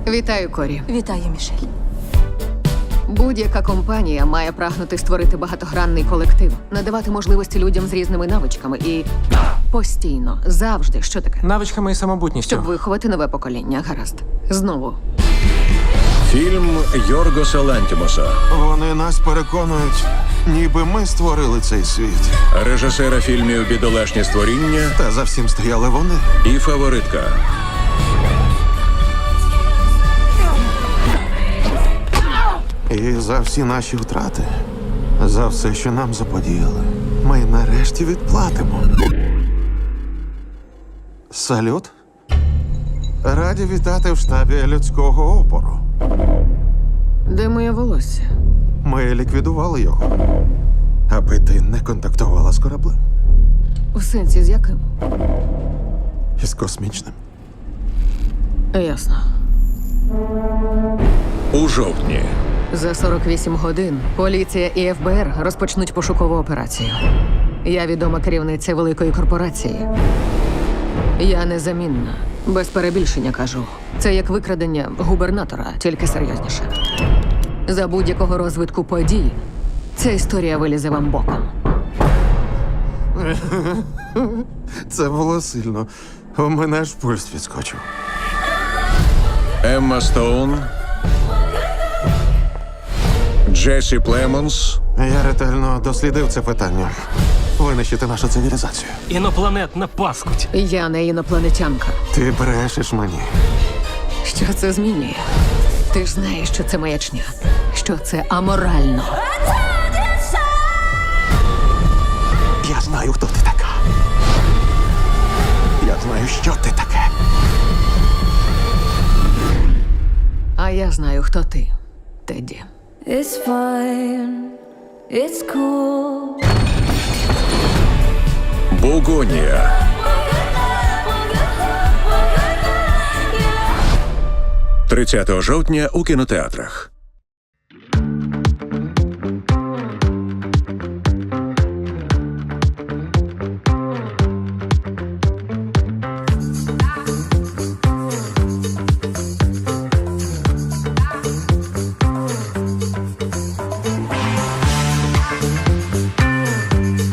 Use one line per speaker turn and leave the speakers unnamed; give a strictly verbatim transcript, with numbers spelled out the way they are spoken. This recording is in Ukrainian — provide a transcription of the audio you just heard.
Вітаю, Корі.
Вітаю, Мішель.
Будь-яка компанія має прагнути створити багатогранний колектив, надавати можливості людям з різними навичками і постійно, завжди, що таке?
Навичками і самобутністю.
Щоб виховати нове покоління, гаразд. Знову.
Фільм Йоргоса Лантімоса.
Вони нас переконують, ніби ми створили цей світ.
Режисера фільмів «Бідолашні створіння»
Та за всім стояли вони.
і «Фаворитка».
І за всі наші втрати, за все, що нам заподіяли, ми нарешті відплатимо. Салют. Раді вітати в штабі людського опору.
Де моє волосся?
Ми ліквідували його, аби ти не контактувала з кораблем.
В сенсі з яким?
Із космічним.
Ясно.
У жовтні.
За сорок вісім годин поліція і еф бе ер розпочнуть пошукову операцію. Я відома керівниця великої корпорації. Я незамінна. Без перебільшення кажу. Це як викрадення губернатора, тільки серйозніше. За будь-якого розвитку подій ця історія вилізе вам боком.
Це було сильно. У мене аж пульс відскочив.
Емма Стоун. Джесі Племонс.
Я ретельно дослідив це питання. Винищити нашу цивілізацію.
Інопланетна паскудь.
Я не інопланетянка.
Ти брешеш мені.
Що це змінює? Ти ж знаєш, що це маячня, що це аморально.
Я знаю, хто ти така. Я знаю, що ти таке.
А я знаю, хто ти, Тедді.
It's fine, it's cool.
Бугонія. тридцятого жовтня у кінотеатрах.